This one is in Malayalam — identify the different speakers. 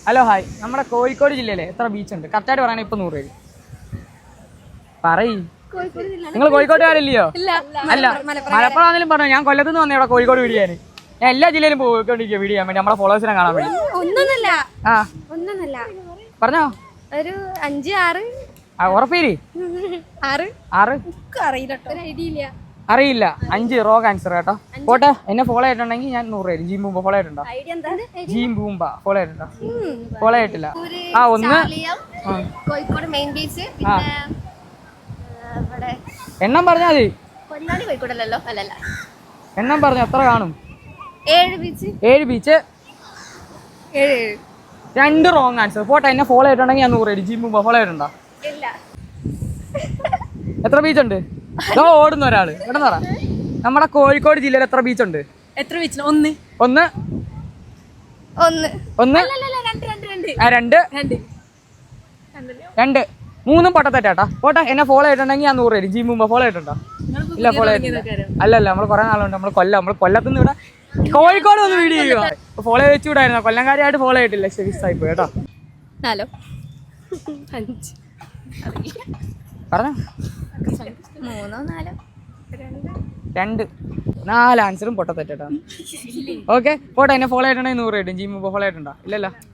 Speaker 1: Hello hi. നമ്മുടെ കോഴിക്കോട് ജില്ലയിലെ എത്ര ബീച്ച് ഉണ്ട്? കറക്റ്റായിട്ട് പറയണേ. ഇപ്പൊ 100 രൂപ പറയ്. നിങ്ങൾ കോഴിക്കോട്ടുകാരില്ലയോ? അല്ല, മലപ്പുറം ആണെങ്കിലും പറഞ്ഞു. ഞാൻ കൊല്ലത്തുനിന്ന് വന്നേ ഇവിടെ കോഴിക്കോട് വീഡിയോ. ഞാൻ എല്ലാ ജില്ലയിലും പോയിക്കൊണ്ടിരിക്കുക വീഡിയോ ചെയ്യാൻ വേണ്ടി, നമ്മളെ ഫോളോവേഴ്സിനെ കാണാൻ വേണ്ടി. പറഞ്ഞോ. ഒരു 5 6. ഉറപ്പേരി 6 അറിയില്ല. 5 റോങ് ആൻസർ കേട്ടോ. പോട്ടെ. എന്നെ ഫോളോ ആയിട്ടുണ്ടെങ്കിൽ ഞാൻ 100 രൂപ. ജീം ബൂമ്പ ഫോളോ ആയിട്ടുണ്ടോ? ജീം ബൂമ്പ ഫോളോ ആയിട്ടുണ്ടോ? ഫോളോ ആയിട്ടില്ല. ഒന്ന്
Speaker 2: കോഴിക്കോട് മെയിൻ ബീച്ച്,
Speaker 1: എണ്ണം പറഞ്ഞാൽ മതി.
Speaker 2: പൊന്നാനി കോഴിക്കോടല്ലോ. അല്ലല്ല,
Speaker 1: എണ്ണം പറഞ്ഞു. എത്ര കാണും?
Speaker 2: 7 ബീച്ച്.
Speaker 1: 7 ബീച്ച്. 2 wrong answer. പോട്ടെ. എന്നെ ഫോളോ ആയിട്ടുണ്ടെങ്കിൽ ഞാൻ 100 രൂപ. ജീം ബൂമ്പ ഫോളോ ആയിട്ടുണ്ടോ? എത്ര ബീച്ച് ഉണ്ട്? ഓടുന്ന ഒരാള് ഇവിടെ പറ. നമ്മുടെ കോഴിക്കോട് ജില്ലയിൽ എത്ര ബീച്ച് ഉണ്ട്?
Speaker 3: എത്ര ബീച്ച്? ഒന്ന്.
Speaker 1: 2 3 പൊട്ടത്തെറ്റാ. പോട്ടെ. എന്നെ ഫോളോ ആയിട്ടുണ്ടെങ്കിൽ ഞാൻ 100 രൂപ. ജീം ബൂമ്പ ഫോളോ ആയിട്ടുണ്ടോ? ഇല്ല, ഫോളോ ആയിട്ടില്ല. അല്ലല്ല, നമ്മൾ കുറെ നാളുണ്ട്. നമ്മൾ കൊല്ലത്തുനിന്ന് ഇവിടെ കോഴിക്കോട് വന്ന് വീഡിയോ ചെയ്യുക. ഫോളോ വെച്ചുകൂടായിരുന്നോ? കൊല്ലംകാരിയായിട്ട് ഫോളോ ആയിട്ടില്ല. ശരി സായി പോയി കേട്ടോ.
Speaker 2: 4 5
Speaker 1: പറഞ്ഞോ.
Speaker 2: 3 4
Speaker 1: 4 ആൻസറും പൊട്ടത്തെറ്റാ. ഓക്കെ. പോട്ടെ. എന്നെ ഫോളോ ആയിട്ടുണ്ടെങ്കിൽ 100 രൂപ. ജീം ബൂമ്പ ഫോളോ ആയിട്ടുണ്ടോ? ഇല്ലല്ലോ.